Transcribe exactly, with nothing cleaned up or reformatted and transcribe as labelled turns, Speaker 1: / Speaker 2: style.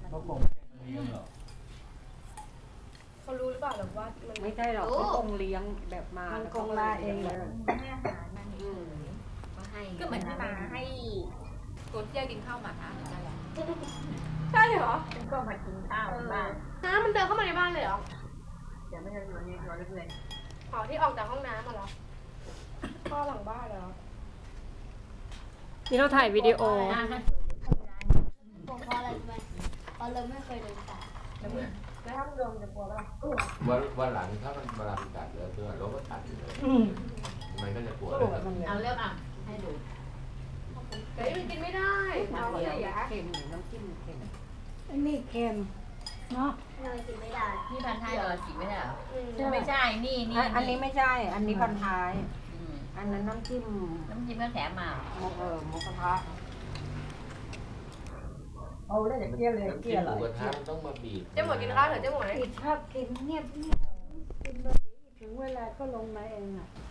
Speaker 1: เขาคงไม่ได้มาเลี้ยงหรอก
Speaker 2: เขารู้หรือเปล่าหรือว่ามัน
Speaker 3: ไม่ใช่หรอกเขาคงเลี้ยงแบบมา
Speaker 4: มัน
Speaker 3: แล้ว
Speaker 4: คงมาเองเลย
Speaker 5: ให้อาหารมันเฉยก็ให้
Speaker 2: ก็เหมือนที่มาให้
Speaker 5: ตัวเที่ยวกินข้าวหมานะนั่นแหละ
Speaker 2: ใช่เหรอ
Speaker 5: มันก็มากินข้าวบ้าน
Speaker 2: น้ำมันเดินเข้ามาในบ้านเลยเหรอ
Speaker 5: เดี๋ยวไม่จะอยู่ในตัวเล็ก
Speaker 2: อ๋อที่ออกจากห้องน้ำมาเหรอพ่อหลังบ้านเหรอ
Speaker 3: นี่เราถ่ายวิดีโอ
Speaker 6: ผมเพราะอะไรรู้ไหมเพราะเราไม่เคยเดินป่า
Speaker 2: แล้วถ้ามันโดนจะกลัวป่ะ
Speaker 7: วันวันหลังถ้ามันเวลามันกัดเลยคือเราก็ตัดเลยมันก็จะปวดเลย
Speaker 5: ๆเอาเลือกอ่ะให้ดู
Speaker 2: เฮ้ยมันกินไม่ได้เราเสีย
Speaker 3: เค็มน้ำจิ้มเค็ม
Speaker 4: อันนี้เค็มเนาะ
Speaker 6: เรากินไม่ได้
Speaker 5: นี่พันท้ายเรากินไม่ได้เหรอ
Speaker 2: อืม
Speaker 5: ไม่ใช่นี่นี่
Speaker 3: อันอันนี้ไม่ใช่ อันนี้พันท้าย
Speaker 5: อืม
Speaker 3: อันนั้นน้ำจิ้ม
Speaker 5: น้ำจิ้มก็แถมมา
Speaker 3: หมกเออหมกกระทะ
Speaker 4: เอาเลยเกลี้ยเลย
Speaker 7: น้ำ
Speaker 4: เกลี้
Speaker 7: จิ้
Speaker 4: ย
Speaker 7: มห
Speaker 4: เล
Speaker 7: มู
Speaker 4: ย
Speaker 7: กระทะมันต้องมาบีบ
Speaker 2: เจ๊หมวยกินข้าวเถอะเจ๊หมวย
Speaker 4: กินชอบกินเงียบเงียบกินแบบนี้ถึงเวลาก็ลงมาเองอ่ะ